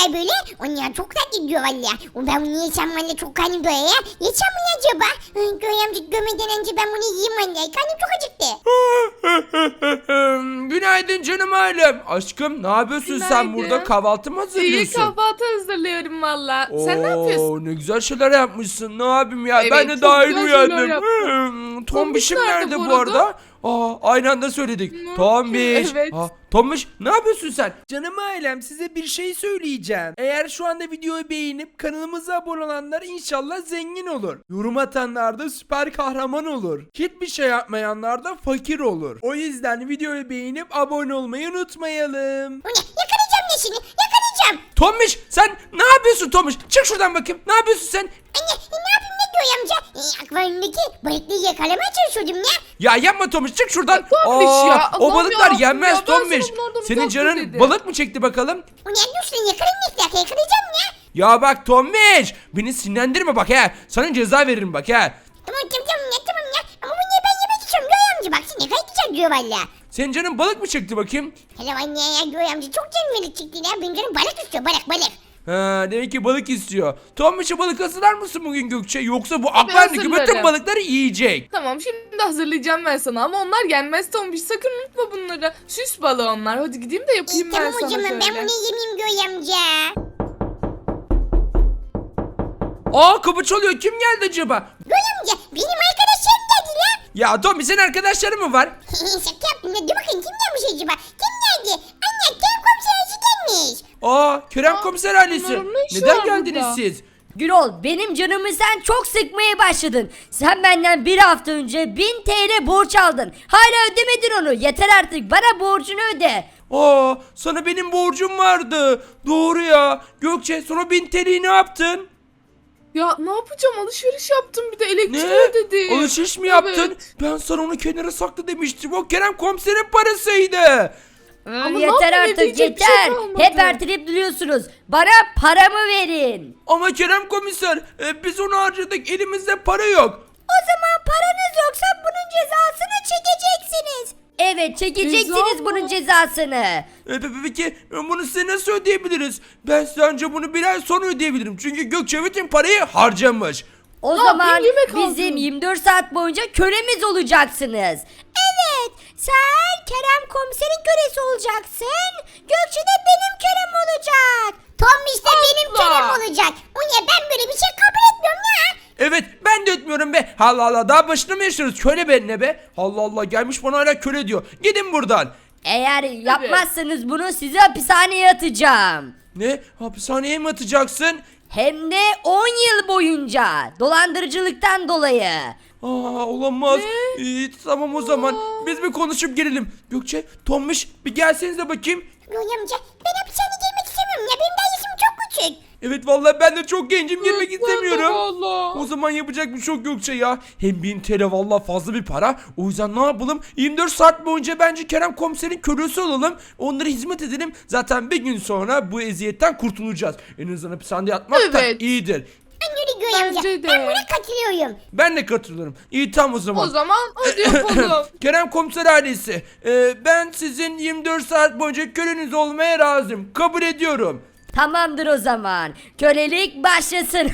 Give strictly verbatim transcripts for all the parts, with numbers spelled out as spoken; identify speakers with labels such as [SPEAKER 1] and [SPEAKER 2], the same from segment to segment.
[SPEAKER 1] güzel böyle. Onlar çok tatlı diyor valla. O ben bunu yesem valla çok karnım doyar ya. Yesem mi acaba? Göğe amca gömeden önce ben bunu yiyeyim valla. Karnım çok acıktı.
[SPEAKER 2] Günaydın canım ailem. Aşkım ne yapıyorsun sen
[SPEAKER 3] Günaydın.
[SPEAKER 2] burada? Kahvaltı mı
[SPEAKER 3] İyi
[SPEAKER 2] hazırlıyorsun?
[SPEAKER 3] kahvaltı hazırlıyorum valla. Sen ne yapıyorsun?
[SPEAKER 2] Oo, ne güzel şeyler yapmışsın. Ne yapayım ya?
[SPEAKER 3] Evet,
[SPEAKER 2] ben de
[SPEAKER 3] çok
[SPEAKER 2] daha
[SPEAKER 3] güzel
[SPEAKER 2] yeni
[SPEAKER 3] şeyler
[SPEAKER 2] uyandım.
[SPEAKER 3] yaptın.
[SPEAKER 2] Hmm, Tombiş'im
[SPEAKER 3] Tombiş
[SPEAKER 2] nerede
[SPEAKER 3] nerede
[SPEAKER 2] bu
[SPEAKER 3] bu
[SPEAKER 2] arada? Aa, aynı anda söyledik.
[SPEAKER 3] Ne?
[SPEAKER 2] Tombiş.
[SPEAKER 3] Evet.
[SPEAKER 2] Aa, Tombiş ne yapıyorsun sen?
[SPEAKER 4] Canım ailem size bir şey söyleyeceğim. Eğer şu anda videoyu beğenip kanalımıza abone olanlar inşallah zengin olur. Yorum atanlar da süper kahraman olur. Hiçbir şey yapmayanlar da fakir olur. O yüzden videoyu beğenip abone olmayı unutmayalım.
[SPEAKER 1] O ne? Yakalayacağım ya seni. Yakalayacağım.
[SPEAKER 2] Tombiş sen ne yapıyorsun Tombiş? Çık şuradan bakayım. Ne yapıyorsun sen?
[SPEAKER 1] Anne ne yapayım ne diyor amca? E, akvaryumdaki balıkları yakalamaya çalışıyordum ya.
[SPEAKER 2] Ya yapma Tombiş çık şuradan.
[SPEAKER 3] Tombiş
[SPEAKER 2] Aa,
[SPEAKER 3] ya,
[SPEAKER 2] o
[SPEAKER 3] Allah'ım
[SPEAKER 2] balıklar
[SPEAKER 3] yarabbim
[SPEAKER 2] yenmez
[SPEAKER 3] ya, ben sana
[SPEAKER 2] Tombiş.
[SPEAKER 3] bunlardan
[SPEAKER 2] Senin
[SPEAKER 3] uzak dur
[SPEAKER 2] canın
[SPEAKER 3] dedim.
[SPEAKER 2] balık mı çekti bakalım?
[SPEAKER 1] O ne? Dur şunu yakalayayım ne dakika yakalayacağım ya.
[SPEAKER 2] Ya bak Tombiş beni sinirlendirme bak he. Sana ceza veririm bak he.
[SPEAKER 1] Tamam tamam tamam ya tamam ya. Ama bu niye ben yemek istiyorum Göğe amca baksana ne kadar güzel diyor valla.
[SPEAKER 2] Senin canın balık mı çekti bakayım?
[SPEAKER 1] Hele anne ya Göğe amca çok canım balık çıktı ya. Benim canım balık istiyor balık balık.
[SPEAKER 2] Ha, demek ki balık istiyor. Tombiş'e balık hazırlar mısın bugün Gökçe? Yoksa bu akvaryumdaki bütün
[SPEAKER 3] hazırlarım.
[SPEAKER 2] balıkları yiyecek.
[SPEAKER 3] Tamam şimdi hazırlayacağım ben sana ama onlar yenmez Tombiş. Sakın unutma bunları. Süs balığı onlar. Hadi gideyim de yapayım
[SPEAKER 1] İyi
[SPEAKER 3] ben
[SPEAKER 1] tamam
[SPEAKER 3] sana
[SPEAKER 1] hocam
[SPEAKER 3] şöyle.
[SPEAKER 1] ben bunu yemeyeyim Göğe amca.
[SPEAKER 2] Aa kapı çalıyor. Kim geldi acaba?
[SPEAKER 1] Göğe amca benim arkadaşlarım geldi lan.
[SPEAKER 2] Ya Tombiş senin arkadaşların mı var?
[SPEAKER 1] Şaka yaptım ya dur bakayım kim gelmiş acaba? Kim geldi? Anne kim komiserci gelmiş.
[SPEAKER 2] Aa Kerem
[SPEAKER 3] Aa,
[SPEAKER 2] komiser ailesi.
[SPEAKER 3] bunların ne işi
[SPEAKER 2] Neden
[SPEAKER 3] var
[SPEAKER 2] geldiniz
[SPEAKER 3] burada?
[SPEAKER 2] siz?
[SPEAKER 5] Gürol, benim canımı sen çok sıkmaya başladın. Sen benden bir hafta önce bin T L borç aldın. Hala ödemedin onu. Yeter artık, bana borcunu öde.
[SPEAKER 2] Aa sana benim borcum vardı. Doğru ya. Gökçe sonra bin T L'yi ne yaptın?
[SPEAKER 3] Ya ne yapacağım? Alışveriş yaptım bir de elektriği
[SPEAKER 2] Ne?
[SPEAKER 3] ödedim.
[SPEAKER 2] Alışveriş mi yaptın?
[SPEAKER 3] Evet.
[SPEAKER 2] Ben sana onu kenara sakla demiştim. O Kerem komiserin parasıydı.
[SPEAKER 5] Hı,
[SPEAKER 3] Ama ne
[SPEAKER 5] yeter
[SPEAKER 3] yapayım,
[SPEAKER 5] artık,
[SPEAKER 3] ödeyecek bir şey
[SPEAKER 5] yeter.
[SPEAKER 3] kalmadı.
[SPEAKER 5] Hep erteleyip duruyorsunuz. Bana paramı verin.
[SPEAKER 2] Ama Kerem komiser e, biz onu harcadık elimizde para yok.
[SPEAKER 5] O zaman paranız yoksa bunun cezasını çekeceksiniz. Evet, çekeceksiniz
[SPEAKER 3] Ceza mı?
[SPEAKER 5] bunun cezasını.
[SPEAKER 2] E, pe- peki e, bunu size nasıl ödeyebiliriz? Ben size anca bunu bir ay sonra ödeyebilirim. Çünkü Gökçe bütün parayı harcamış.
[SPEAKER 5] O
[SPEAKER 3] Ne
[SPEAKER 5] zaman
[SPEAKER 3] yapayım, yemek
[SPEAKER 5] bizim
[SPEAKER 3] aldım.
[SPEAKER 5] yirmi dört saat boyunca kölemiz olacaksınız. Evet, sen Kerem komiserin kölesi olacaksın. Gökçe de benim kölem olacak.
[SPEAKER 1] Tombiş de benim
[SPEAKER 3] Asla.
[SPEAKER 1] körem olacak. O ne ben böyle bir şey kabul etmiyorum ya.
[SPEAKER 2] Evet ben de etmiyorum be. Allah Allah daha başına mı yaşıyoruz? Köle be ne be? Allah Allah gelmiş bana hala köle diyor. Gidin buradan.
[SPEAKER 5] Eğer yapmazsanız bunu sizi hapishaneye atacağım.
[SPEAKER 2] Ne? Hapishaneye mi atacaksın?
[SPEAKER 5] Hem de on yıl boyunca dolandırıcılıktan dolayı.
[SPEAKER 2] Aa olamaz. İyi, tamam o zaman. Biz bir konuşup gelelim. Gökçe, Tombiş bir gelsenize bakayım.
[SPEAKER 1] Göğe amca ben hapishaneye girmek istemiyorum ya. Benim daha yaşım çok küçük.
[SPEAKER 2] Evet vallahi ben de çok gencim girmek
[SPEAKER 3] Ben de
[SPEAKER 2] istemiyorum.
[SPEAKER 3] vallahi.
[SPEAKER 2] O zaman yapacak bir şey yok Gökçe ya. Hem bin T L vallahi fazla bir para. O yüzden ne yapalım? yirmi dört saat boyunca bence Kerem komiserin kölesi olalım. Onlara hizmet edelim. Zaten bir gün sonra bu eziyetten kurtulacağız. En azından hapishanede yatmak da
[SPEAKER 3] Evet.
[SPEAKER 2] iyidir.
[SPEAKER 1] Ben öyle Göğe amca.
[SPEAKER 3] Bence de.
[SPEAKER 1] Ben buna katılıyorum.
[SPEAKER 2] Ben de katılırım. İyi tamam o zaman.
[SPEAKER 3] O zaman hadi yapalım.
[SPEAKER 2] Kerem komiser ailesi. e, ben sizin yirmi dört saat boyunca köleniz olmaya razıyım. Kabul ediyorum.
[SPEAKER 5] Tamamdır o zaman. Kölelik başlasın.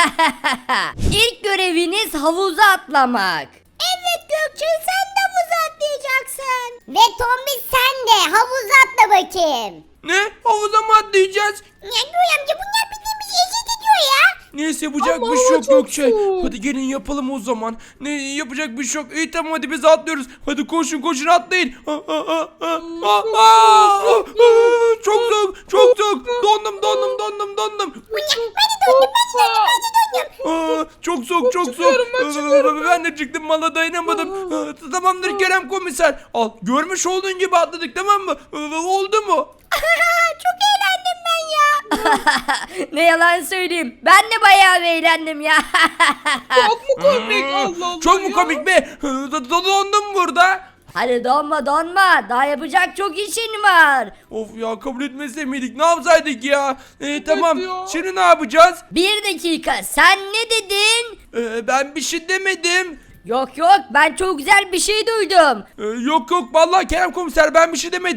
[SPEAKER 5] İlk göreviniz havuza atlamak. Evet Gökçe, sen de havuza atlayacaksın.
[SPEAKER 1] Ve Tombiş sen de havuza atla bakayım.
[SPEAKER 2] Ne? Havuza mı atlayacağız?
[SPEAKER 1] Ya Göğe amca bunlar bildiğimiz eziyet ediyor ya.
[SPEAKER 2] Neyse yapacak
[SPEAKER 3] Ama
[SPEAKER 2] bir şey
[SPEAKER 3] hava
[SPEAKER 2] yok
[SPEAKER 3] çok
[SPEAKER 2] Gökçe.
[SPEAKER 3] soğuk.
[SPEAKER 2] Hadi gelin yapalım o zaman. Ne yapacak bir şey yok. İyi tamam hadi biz atlıyoruz. Hadi koşun koşun atlayın. Aa, aa, aa, aa, aa, aa, aa, Çok soğuk çok soğuk. Dondum dondum dondum dondum.
[SPEAKER 1] Bu ne? Ben de döndüm ben de döndüm ben de döndüm.
[SPEAKER 2] Aa, çok soğuk çok soğuk.
[SPEAKER 3] çıkıyorum, ben çıkıyorum.
[SPEAKER 2] Ben de çıktım valla dayanamadım. Aa, Tamamdır Kerem komiser. Al görmüş olduğun gibi atladık tamam mı? Aa, Oldu mu?
[SPEAKER 5] Çok eğlendim ben ya. Ne yalan söyleyeyim. Ben de bayağı eğlendim ya.
[SPEAKER 3] Çok mu komik? Allah Allah
[SPEAKER 2] Çok mu
[SPEAKER 3] ya.
[SPEAKER 2] komik be? Dondum burada.
[SPEAKER 5] Hadi donma donma. Daha yapacak çok işin var.
[SPEAKER 2] Of ya kabul etmese miydik? Ne yapsaydık ya? Ee, tamam.
[SPEAKER 3] ya.
[SPEAKER 2] Şimdi ne yapacağız?
[SPEAKER 5] Bir dakika, sen ne dedin?
[SPEAKER 2] Ee, ben bir şey demedim.
[SPEAKER 5] Yok yok, ben çok güzel bir şey duydum.
[SPEAKER 2] Ee, yok yok vallahi Kerem komiser ben bir şey demedim.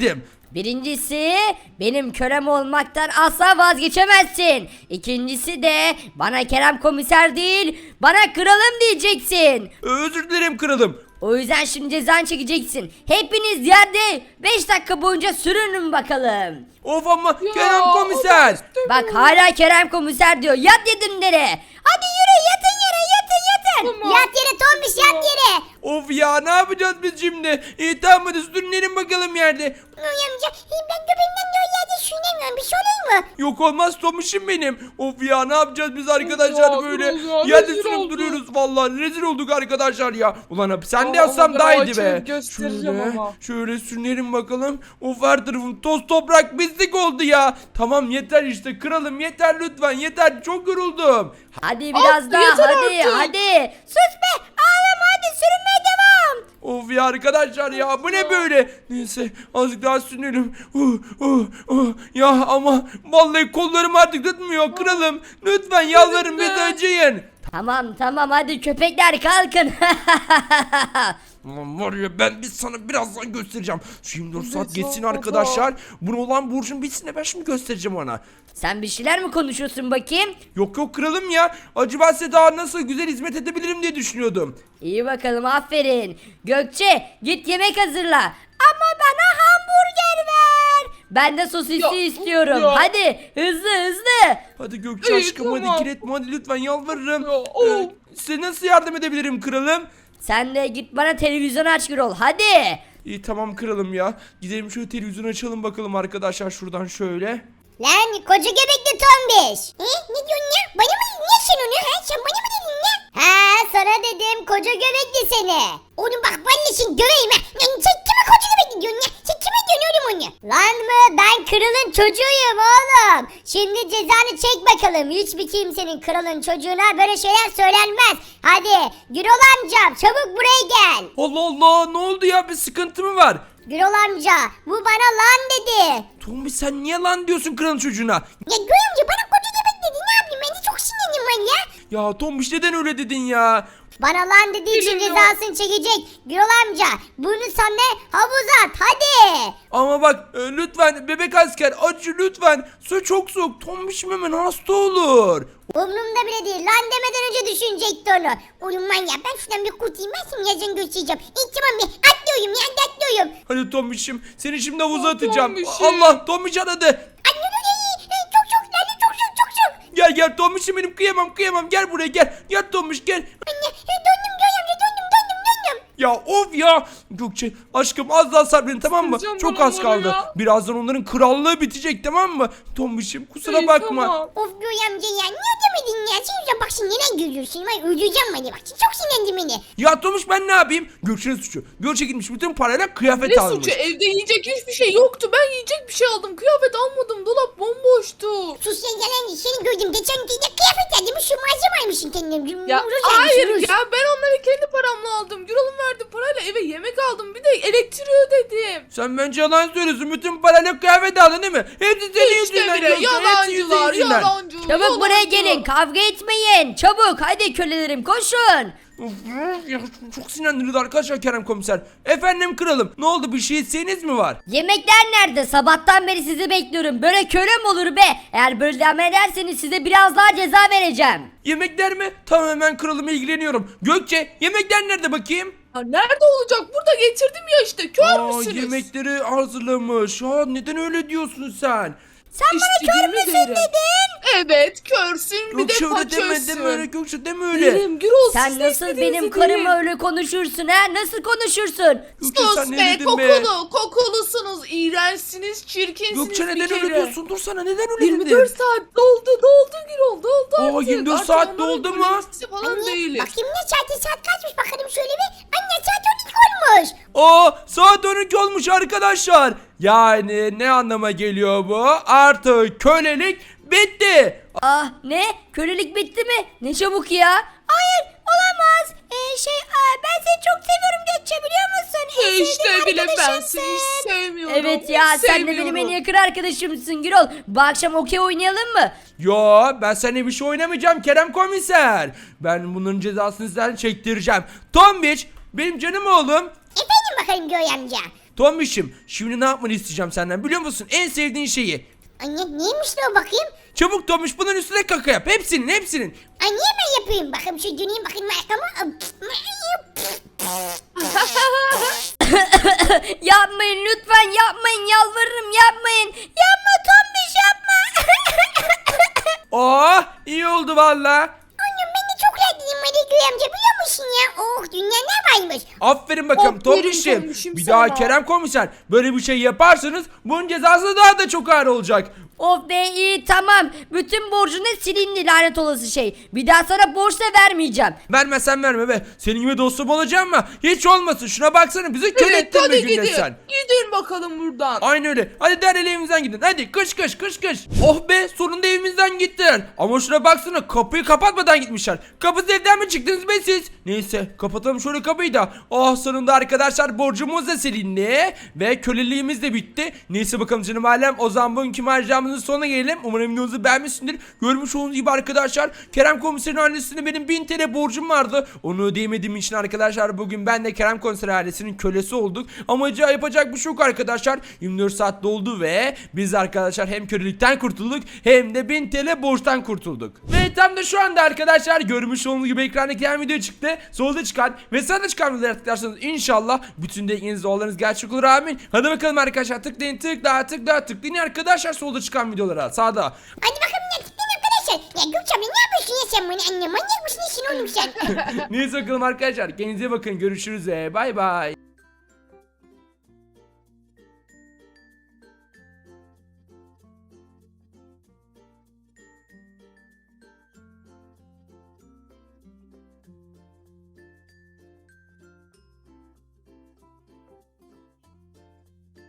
[SPEAKER 5] Birincisi benim kölem olmaktan asla vazgeçemezsin. İkincisi de bana Kerem komiser değil bana kralım diyeceksin.
[SPEAKER 2] Özür dilerim kralım.
[SPEAKER 5] O yüzden şimdi cezanı çekeceksin. Hepiniz yerde beş dakika boyunca sürünün bakalım.
[SPEAKER 2] Of ama
[SPEAKER 3] Ya,
[SPEAKER 2] Kerem
[SPEAKER 3] o
[SPEAKER 2] komiser.
[SPEAKER 3] da istemiyorum.
[SPEAKER 5] Bak hala Kerem komiser diyor. Yat yedimlere. Hadi yürü yatın yere yatın yatın.
[SPEAKER 3] Tamam.
[SPEAKER 1] Yat yere Tombiş yat yere.
[SPEAKER 2] Of ya ne yapacağız biz şimdi? İyi tamam hadi sürünelim bakalım yerde.
[SPEAKER 1] Noy amca ben göbeğimden de o yerde sürünemiyorum. Bir şey olur mu?
[SPEAKER 2] Yok olmaz Tomiş'im benim. Of ya ne yapacağız biz arkadaşlar
[SPEAKER 3] Ya,
[SPEAKER 2] böyle?
[SPEAKER 3] ya,
[SPEAKER 2] Yerde
[SPEAKER 3] rezil
[SPEAKER 2] sürüp
[SPEAKER 3] olduk.
[SPEAKER 2] duruyoruz vallahi. Rezil olduk arkadaşlar ya. Ulan hapishanede
[SPEAKER 3] Aa,
[SPEAKER 2] yatsam
[SPEAKER 3] ama
[SPEAKER 2] daha
[SPEAKER 3] ben
[SPEAKER 2] iyiydi be.
[SPEAKER 3] açıp göstereceğim
[SPEAKER 2] Şöyle,
[SPEAKER 3] ama.
[SPEAKER 2] şöyle sürünelim bakalım. Of her tarafım toz toprak pislik oldu ya. Tamam yeter işte kralım yeter lütfen yeter. Çok yoruldum.
[SPEAKER 5] Hadi biraz
[SPEAKER 3] Al,
[SPEAKER 5] daha
[SPEAKER 3] yeter
[SPEAKER 5] hadi
[SPEAKER 3] artık.
[SPEAKER 5] hadi. Sus be ağlama hadi sürünmeye devam.
[SPEAKER 2] Of ya arkadaşlar ya bu ne böyle? Neyse azıcık daha sürünelim. Uh, uh, uh. Ya ama vallahi kollarım artık tutmuyor kralım. Lütfen yalvarırım
[SPEAKER 3] de.
[SPEAKER 2] bizi acıyın.
[SPEAKER 5] Tamam tamam hadi köpekler kalkın.
[SPEAKER 2] Ulan var ya ben biz sana birazdan göstereceğim. Şu yirmi dört saat
[SPEAKER 3] Evet,
[SPEAKER 2] geçsin
[SPEAKER 3] baba.
[SPEAKER 2] arkadaşlar. Bunu olan Burcu'nun bitsin de ben şimdi göstereceğim ona.
[SPEAKER 5] Sen bir şeyler mi konuşuyorsun bakayım?
[SPEAKER 2] Yok yok kralım ya. Acaba size daha nasıl güzel hizmet edebilirim diye düşünüyordum.
[SPEAKER 5] İyi bakalım aferin. Gökçe git yemek hazırla. Ama bana hamburger ver. Ben de sosisli
[SPEAKER 3] Ya,
[SPEAKER 5] istiyorum.
[SPEAKER 3] ya.
[SPEAKER 5] Hadi hızlı hızlı.
[SPEAKER 2] Hadi Gökçe
[SPEAKER 3] İyi,
[SPEAKER 2] aşkım hadi
[SPEAKER 3] tamam.
[SPEAKER 2] kiretme hadi lütfen yalvarırım.
[SPEAKER 3] Ya, of.
[SPEAKER 2] Ee, size nasıl yardım edebilirim kralım?
[SPEAKER 5] Sen de git bana televizyon aç Gürol hadi.
[SPEAKER 2] İyi tamam kralım ya. Gidelim şöyle televizyonu açalım bakalım arkadaşlar şuradan şöyle.
[SPEAKER 1] Lan koca göbekli Tombiş. He ne diyorsun ya? Bana mı ne sen onu ha? Sen bana mı dedin ya? Ha sana dedim koca göbekli seni. Oğlum bak vallahi sen döveyim ha. Lan sen kime koca göbekli diyorsun ya? Sen kime diyorsun oğlum onu? Lan mı ben kralın çocuğuyum oğlum. Şimdi cezanı çek bakalım. Hiçbir kimsenin kralın çocuğuna böyle şeyler söylenmez. Hadi Gürol amcam çabuk buraya gel.
[SPEAKER 2] Allah Allah ne oldu ya bir sıkıntı mı var?
[SPEAKER 1] Gürol amca bu bana lan dedi.
[SPEAKER 2] Tombi sen niye lan diyorsun kralın çocuğuna?
[SPEAKER 1] Ya Gürol amca bana koca göbek dedi ne yapayım ben de çok sinirliyim ben ya.
[SPEAKER 2] Ya Tombiş neden öyle dedin ya?
[SPEAKER 1] Bana lan dediği için
[SPEAKER 3] Bilmiyorum.
[SPEAKER 1] cezasını çekecek. Gürol amca bunu sen de havuza at hadi.
[SPEAKER 2] Ama bak e, lütfen bebek asker acı lütfen. Su çok soğuk. Tombişim hemen hasta olur.
[SPEAKER 1] Umrumda bile değil lan demeden önce düşünecekti onu. Oğlum manyak ben şuradan bir kurtayım ben şimdi yazın göstereceğim. İlk tamam bir atlıyorum ya atlıyorum.
[SPEAKER 2] Hadi Tombişim seni şimdi havuza
[SPEAKER 3] Ah,
[SPEAKER 2] atacağım.
[SPEAKER 3] Tombişim.
[SPEAKER 2] Allah Tombiş aradı.
[SPEAKER 1] Atlıyorum çok çok lan çok çok çok çok.
[SPEAKER 2] Gel gel Tombişim benim kıyamam kıyamam gel buraya gel. Gel Tombiş gel.
[SPEAKER 1] Anne döndüm Gürol amca döndüm döndüm döndüm.
[SPEAKER 2] Ya of ya. Gökçe aşkım az daha sabredin tamam mı?
[SPEAKER 3] Sıkacağım
[SPEAKER 2] Çok
[SPEAKER 3] bana
[SPEAKER 2] az
[SPEAKER 3] bunu
[SPEAKER 2] kaldı.
[SPEAKER 3] ya.
[SPEAKER 2] Birazdan onların krallığı bitecek tamam mı? Tombişim kusura
[SPEAKER 3] İyi,
[SPEAKER 2] bakma.
[SPEAKER 3] tamam.
[SPEAKER 1] Of Gürol amca ya niye demedin ya? Sen yüzden bak şimdi neden gülüyorsun? Ben öldüreceğim beni bak çok sinirlendi beni.
[SPEAKER 2] Ya Tomuş ben ne yapayım? Gökçe'nin suçu. Gökçe gitmiş bütün parayla kıyafet
[SPEAKER 3] Ne
[SPEAKER 2] almış.
[SPEAKER 3] suçu? Evde yiyecek hiçbir şey yoktu. Ben yiyecek bir şey aldım. Kıyafet almadım. Dolap bomboştu.
[SPEAKER 1] Sus ya gelen seni gördüm. Geçen gece kıyafet aldım. Şu malzeme almışsın kendine.
[SPEAKER 3] Ya
[SPEAKER 1] Rus
[SPEAKER 3] hayır
[SPEAKER 1] almışsın, Rus.
[SPEAKER 3] ya ben onları kendi paramla aldım. Gürol'un verdiği parayla eve yemek aldım. Bir de elektriği ödedim.
[SPEAKER 2] Sen bence yalan söylüyorsun. Bütün parayla kıyafet aldın değil mi? Hepsi senin
[SPEAKER 3] İşte
[SPEAKER 2] yüzünden
[SPEAKER 3] bile
[SPEAKER 2] Gökçe. Hepsi
[SPEAKER 3] yalancılar
[SPEAKER 2] yüzünden.
[SPEAKER 3] yalancı.
[SPEAKER 5] Çabuk
[SPEAKER 3] yalancı.
[SPEAKER 5] buraya gelin kavga etmeyin. Çabuk hadi kölelerim koşun.
[SPEAKER 2] Of, ya çok sinirlendirdi arkadaşlar Kerem komiser. Efendim kralım ne oldu bir şey isteğiniz mi var?
[SPEAKER 5] Yemekler nerede? Sabahtan beri sizi bekliyorum. Böyle köle mi olur be? Eğer böyle devam ederseniz size biraz daha ceza vereceğim.
[SPEAKER 2] Yemekler mi? Tamam hemen kralım ilgileniyorum. Gökçe yemekler nerede bakayım?
[SPEAKER 3] Ya nerede olacak? Burada getirdim ya işte. Kör
[SPEAKER 2] Aa,
[SPEAKER 3] müsünüz?
[SPEAKER 2] yemekleri hazırlamış. Aa, neden öyle diyorsun sen?
[SPEAKER 5] Sen bana kör
[SPEAKER 3] İstediğimi
[SPEAKER 5] müsün
[SPEAKER 3] derim.
[SPEAKER 5] dedin?
[SPEAKER 3] Evet körsün bir de
[SPEAKER 2] Gökçe öyle deme
[SPEAKER 3] paçörsün.
[SPEAKER 2] deme öyle Gökçe deme öyle.
[SPEAKER 3] Derim Gürol
[SPEAKER 5] Sen
[SPEAKER 3] siz de
[SPEAKER 5] nasıl
[SPEAKER 3] istediğinizi
[SPEAKER 5] benim
[SPEAKER 3] deyin.
[SPEAKER 5] karıma öyle konuşursun ha? Nasıl konuşursun?
[SPEAKER 2] Gökçe
[SPEAKER 3] Sus
[SPEAKER 2] sen ne
[SPEAKER 3] be
[SPEAKER 2] dedin
[SPEAKER 3] kokulu kokulusunuz iğrençsiniz çirkinsiniz
[SPEAKER 2] Gökçe
[SPEAKER 3] bir
[SPEAKER 2] neden
[SPEAKER 3] kere.
[SPEAKER 2] öyle diyorsun? Dur sana neden öyle
[SPEAKER 3] yirmi
[SPEAKER 2] dedin?
[SPEAKER 3] dört saat doldu doldu Gürol doldu
[SPEAKER 2] Aa,
[SPEAKER 3] artık.
[SPEAKER 2] yirmi dört
[SPEAKER 3] Artık
[SPEAKER 2] saat
[SPEAKER 3] onların
[SPEAKER 2] doldu mu?
[SPEAKER 3] kölesi falan
[SPEAKER 1] Anne
[SPEAKER 3] değiliz.
[SPEAKER 1] bakayım ne saati saat kaçmış bakalım şöyle bir. Anne saat on iki olmuş.
[SPEAKER 2] Aa saat on iki olmuş arkadaşlar. Yani ne anlama geliyor bu? Artık kölelik bitti.
[SPEAKER 5] Ah ne? Kölelik bitti mi? Ne çabuk ya? Hayır olamaz. Ee, şey aa, ben seni çok seviyorum Gökçe biliyor musun? En
[SPEAKER 3] İşte
[SPEAKER 5] sevdiğim
[SPEAKER 3] bile ben
[SPEAKER 5] arkadaşımsın.
[SPEAKER 3] seni hiç sevmiyorum.
[SPEAKER 5] Evet ya
[SPEAKER 3] hiç
[SPEAKER 5] sen de benim en
[SPEAKER 3] sevmiyorum.
[SPEAKER 5] yakın arkadaşımsın Gürol. Bu akşam okey oynayalım mı?
[SPEAKER 2] Yo ben seninle bir şey oynamayacağım Kerem komiser. Ben bunun cezasını sizden çektireceğim. Tombiç benim canım oğlum.
[SPEAKER 1] Efendim bakalım Göğe amca.
[SPEAKER 2] Tombiş'im şimdi ne yapmanı isteyeceğim senden biliyor musun? En sevdiğin şeyi.
[SPEAKER 1] Anne neymiş de o bakayım?
[SPEAKER 2] Çabuk Tombiş bunun üstüne kaka yap. Hepsinin hepsinin.
[SPEAKER 1] Anne ben yapayım. Bakayım şu döneyim bakayım arkama.
[SPEAKER 5] Yapmayın lütfen yapmayın yalvarırım yapmayın. Yapma Tombiş yapma.
[SPEAKER 2] Oh iyi oldu valla.
[SPEAKER 1] Annem ben de çok rahatlayayım Ali Göğe amca biliyor musun ya? Oh dünya ne varmış?
[SPEAKER 2] Aferin bakalım
[SPEAKER 3] Aferin
[SPEAKER 2] Tombiş'im.
[SPEAKER 3] Tombiş'im
[SPEAKER 2] Bir
[SPEAKER 3] sana.
[SPEAKER 2] daha Kerem komiser böyle bir şey yaparsanız bunun cezası daha da çok ağır olacak.
[SPEAKER 5] Of be iyi tamam. Bütün borcunu silindi lanet olası şey. Bir daha sana borç da vermeyeceğim.
[SPEAKER 2] Vermezsen verme be. Senin gibi dostum olacağım mı? Hiç olmasın. Şuna baksana bizi kör
[SPEAKER 3] Evet
[SPEAKER 2] ettin
[SPEAKER 3] hadi
[SPEAKER 2] be günde
[SPEAKER 3] gidin.
[SPEAKER 2] sen.
[SPEAKER 3] Gidin bakalım buradan.
[SPEAKER 2] Aynı öyle. Hadi derhal evimizden gidin. Hadi kış kış kış kış. Oh be sonunda evimizden gittiler. Ama şuna baksana kapıyı kapatmadan gitmişler. Kapısız evden mi çıktınız be siz? Neyse kapatalım şöyle kapıyı da. Oh sonunda arkadaşlar borcumuz da silindi. Ve köleliğimiz de bitti. Neyse bakalım canım alem. O zaman bugünkü maceramızın sonuna gelelim. Umarım videomuzu beğenmişsindir. Görmüş olduğunuz gibi arkadaşlar Kerem komiserin ailesine benim bin T L borcum vardı. Onu ödeyemediğim için arkadaşlar bugün ben de Kerem komiser ailesinin kölesi olduk. Amacı yapacak bir şey yok arkadaşlar. yirmi dört saat doldu ve biz arkadaşlar hem kölelikten kurtulduk hem de bin T L borçtan kurtulduk. Ve tam da şu anda arkadaşlar görmüş olduğunuz gibi ekranda gelen video çıktı. Solda çıkan ve sağda çıkan videoları tıklarsanız inşallah bütün dilekleriniz dualarınız gerçek olur amin. Hadi bakalım arkadaşlar tıklayın tıkla tıkla tıklayın arkadaşlar solda çıkan videolara sağda.
[SPEAKER 1] Hadi bakalım ne tıklayın arkadaşlar. Ya Gökçe abla ne yapıyorsun ya sen bana anne manyak mısın işin oğlum sen?
[SPEAKER 2] Neyse bakalım arkadaşlar kendinize bakın görüşürüz. Bay bay.